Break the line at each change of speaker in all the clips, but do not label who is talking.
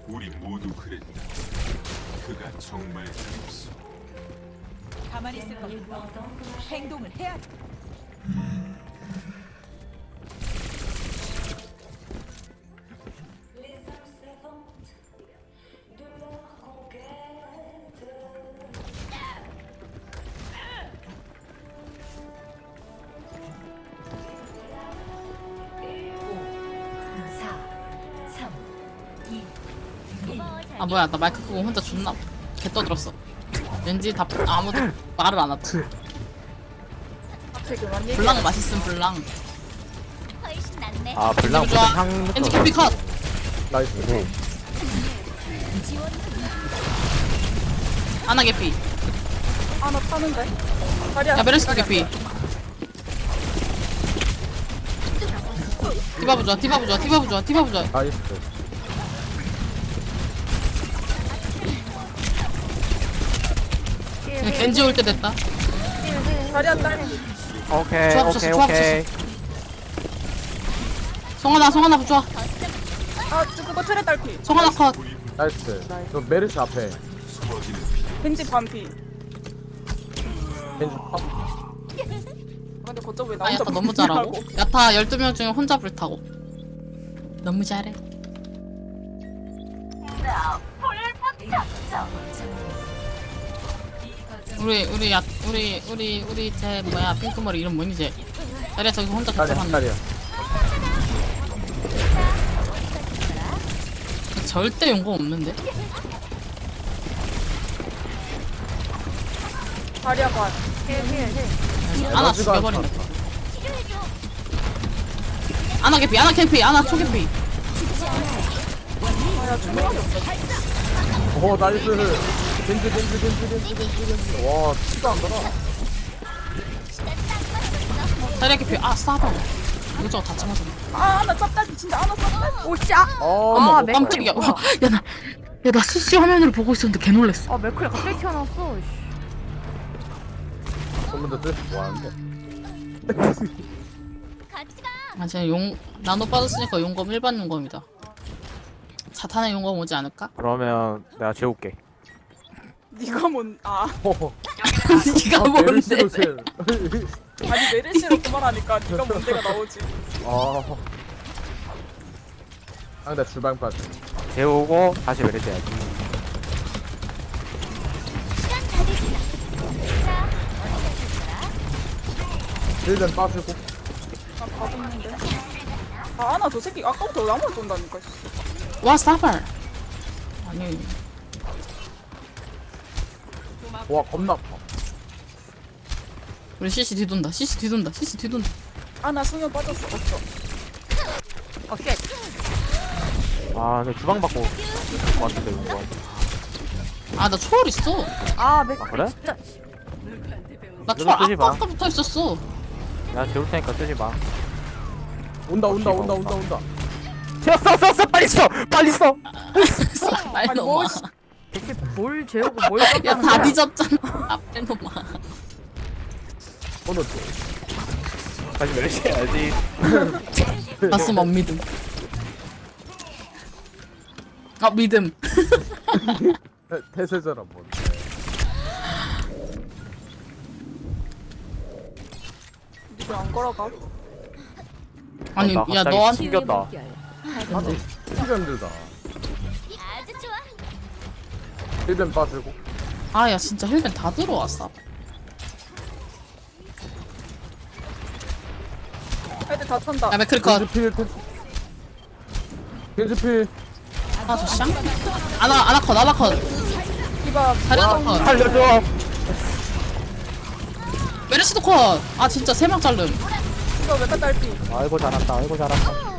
우리 모두 그랬다. 그가 정말 잘했어.
가만히 있을 겁니다. 행동을 해야 돼.
아 뭐야 나 마이크 끄고 혼자 존나 개 떠들었어. 왠지 다 아무도 말을 안 하더라. 블랑 맛있음 블랑.
훨씬 낫네.
아 블랑 무슨
좋아.
향
엔지 캐피 컷.
나이스.
아나 개피.
아나 타는데? 다리야.
야 메르시도 개피. 디바브 좋아 디바브 좋아 디바브 좋아 디바브 좋아.
나이스.
그냥 겐지 올 때 됐다.
다리야 딸.
오케이
조합
오케이
쳤어,
오케이.
성하나 좋아.
아 그거 트레 딸피.
성하나 컷.
나이스. 저 메르시 앞에.
벤지 반피.
겐지 팝.
근데 거점 왜 나
아
혼자
야타 너무 잘하고. 야타 12명 중에 혼자 불타고. 너무 잘해. 우리 제 뭐야 핑크머리 이름 뭐니 쟤. 자리야 저기서 혼자
다리야
답답한.
다리야.
절대 용공 없는데.
다리야 반.
아나 죽여버린다. 아나 개피 아나 캠피 아나 초개피.
아야 주먹이 없어.
오 나이스. 겐지. 와 티가 안 돌아.
자리야 개피 아 싸다. 이거 다 참아줬네.
아나 짭딸피 진짜 아나 짭딸피.
오씨 아!
어머
맥클이
깜짝이야.
뭐야?
야나 CC 화면으로 보고 있었는데 개 놀랬어.
아 맥클이 갑자기 튀어나왔어. 씨.
소문도 뜻 뭐하는데?
같이 가.
아 제가 용 나노 빠졌으니까 용검 일반 용검이다. 자탄의 용검 오지 않을까?
그러면 내가 재울게.
네가 뭔? 아
네가 뭔데?
메르시로 제.
아니 메르시로 그만하니까 네가 뭔데가 나오지.
아. 상대 주방 빠져. 재우고 다시 메르시 해야지.
시간 다 됐어. 자,
힐den 빠지고.
나 봐줬는데. 아 아나 저 새끼 아까부터 나만 쏜다니까.
와 싸발. 아니
와 겁나 아파.
우리 CC 뒤돈다. CC 뒤돈다. CC 뒤돈다.
아나 수면 빠졌어. 없어.
어 쉣.
아 근데 주방 받고 왔는데 이거.
아 나 초월 있어.
아 맥클이
그래?
진짜.
나
이거
초월
쓰지 마.
아까부터 있었어.
야 재울 테니까 쓰지 마. 온다. 써 빨리 써.
빨리
아니,
넘어.
뭐,
대체 뭘 재우고 뭘
야
깜빡하는
다
거야?
뒤졌잖아. 앞에 놈아.
오늘 다시 메르시 해야지.
봤으면 안 믿음. 아 믿음.
태세자라 뭐.
네가 안 걸어가?
아니
나
야
갑자기
너한테
숨겼다. 피가 힘들다.
아주 좋아.
힐den 빠지고.
아 야 진짜 힐벤 다 들어왔어.
애들 다 탄다.
야 맥크리컷.
겐지필.
아 저 샹? 아나컷.
디바
자리야 컷.
살려줘.
메르시도 컷. 아 진짜 3명 자름.
디바 메타 딸피.
아이고 잘한다.
시간 딱 맞췄어.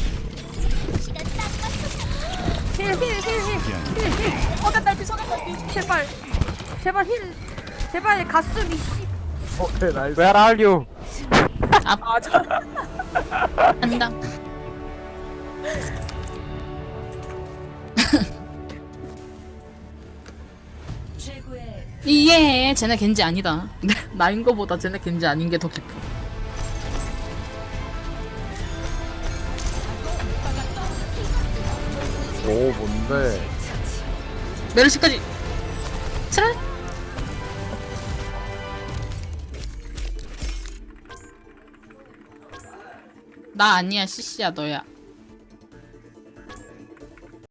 힐.
서대 딸피 서대 딸피.
제발 힐. 제발 가슴이 씨.
오케이 나이스. Where are you?
아 저.
한다. 이게 쟤네 겐지 아니다. 나인 거보다 쟤네 겐지 아닌 게 더 깊어.
오 뭔데? 안돼.
메르시까지. 트랄. 나 아니야, CC야, 너야.